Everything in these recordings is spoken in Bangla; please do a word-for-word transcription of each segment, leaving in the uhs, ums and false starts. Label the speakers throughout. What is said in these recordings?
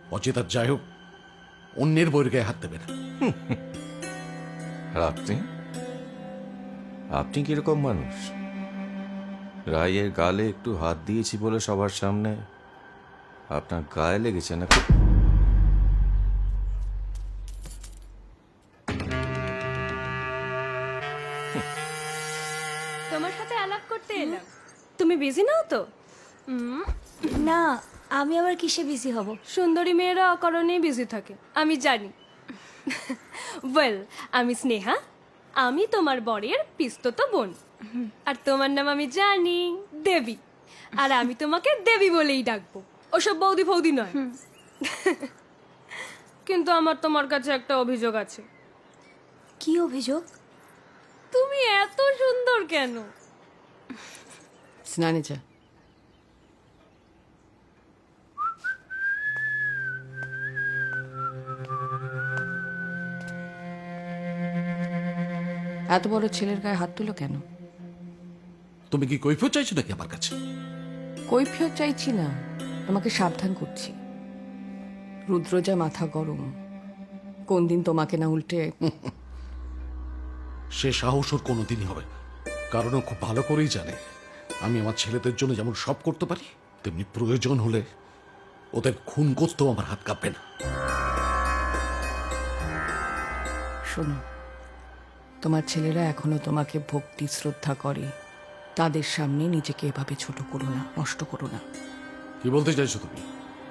Speaker 1: অচেতার যাই হোক, অন্যের বইয়ের গায়ে হাত দেবে না।
Speaker 2: আর আপনি আপনি কিরকম মানুষ? রায়ের গালে একটু হাত দিয়েছি বলে সবার সামনে আপনার গায়ে লেগেছে না?
Speaker 3: তোমার সাথে আলাপ করতে এলাম। তুমি বিজি নাও তো? উম,
Speaker 4: না, আমি আবার কিসে বিজি হব?
Speaker 3: সুন্দরী মেয়েরা অকারণেই বিজি থাকে, আমি জানি। ওয়েল, আমি স্নেহা, আমি তোমার বরের পিস্তত বোন। আর তোমার নাম আমি জানি, দেবী। আর আমি তোমাকে দেবী বলেই ডাকবো, ওসব বৌদি ফৌদি নয়। কিন্তু আমার তোমার কাছে একটা অভিযোগ আছে।
Speaker 4: কি অভিযোগ?
Speaker 3: তুমি এত সুন্দর কেন?
Speaker 5: স্নানে যা। এত বড় ছেলের গায়ে হাত তুলো কেন?
Speaker 1: তুমি কি কৈফিয়ত চাইছো নাকি আমার কাছে?
Speaker 5: কৈফিয়ত চাইছি না, তোমাকে সাবধান করছি। রুদ্র যা মাথা গরম, কোন দিন তোমাকে না উল্টে।
Speaker 1: সে সাহস ওর কোনোদিনই হবে না, কারণ ও খুব ভালো করেই জানে আমি আমার ছেলেদের জন্য যেমন সব করতে পারি, তেমনি প্রয়োজন হলে ওদের খুন করতেও আমার হাত কাঁপবে না।
Speaker 5: শোনো, তোমার ছেলেরা এখনো তোমাকে ভক্তি শ্রদ্ধা করে, তাদের সামনে নিজেকে এভাবে ছোট করো না, নষ্ট করো না।
Speaker 1: কি বলতে চাইছো তুমি?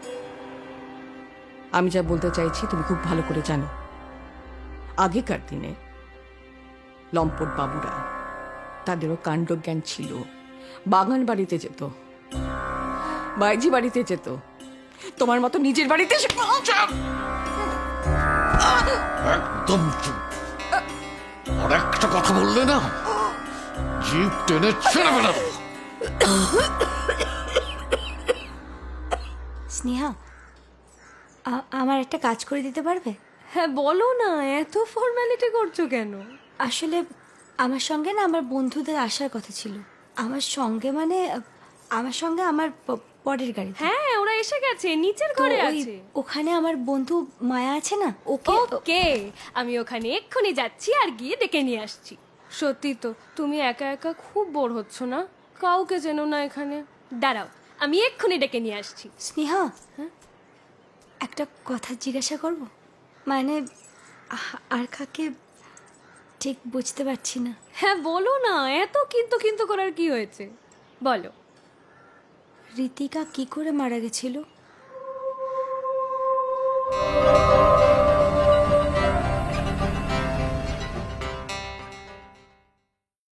Speaker 5: আমি যা বলতে চাইছি তুমি খুব ভালো করে জানো। আগেকার দিনে লম্পট বাবুরা, তাদেরও কাণ্ডজ্ঞান ছিল। বাগান বাড়িতে যেত, বাইজি বাড়িতে যেত, তোমার মতো নিজের বাড়িতে এসে-
Speaker 1: একদম চুপ। আর একটা কথা বললে না, জিভ টেনে ছেড়ে বেড়াবো।
Speaker 4: স্নেহা, আ- আমার একটা কাজ করে দিতে পারবে?
Speaker 3: হ্যাঁ বলো না, এত ফর্মালিটি করছো কেন?
Speaker 4: আসলে আমার সঙ্গে না আমার বন্ধুদের আসার কথা ছিল। আমার সঙ্গে মানে আ, আমার সঙ্গে আমার প- পরের গাড়ি।
Speaker 3: হ্যাঁ, ওরা এসে গেছে, নিচের ঘরে আছে।
Speaker 4: ওখানে আমার বন্ধু মায়া আছে না, ওকে
Speaker 3: ওকে, আমি ওখানে এক্ষুনি যাচ্ছি আর গিয়ে ডেকে নিয়ে আসছি। সত্যি তো, তুমি একা একা খুব বোর হচ্ছ না? কাউকে চেনো না এখানে? দাঁড়াও, আমি এক্ষুনি ডেকে নিয়ে আসছি।
Speaker 4: স্নেহা, হ্যাঁ একটা কথা জিজ্ঞাসা করব? মানে আ- আর কাকে ঠিক বুঝতে পারছি না।
Speaker 3: হ্যাঁ বলো না, এত কিন্তু কিন্তু করার কি হয়েছে, বলো।
Speaker 4: ঋতিকা কি করে মারা গেছিল?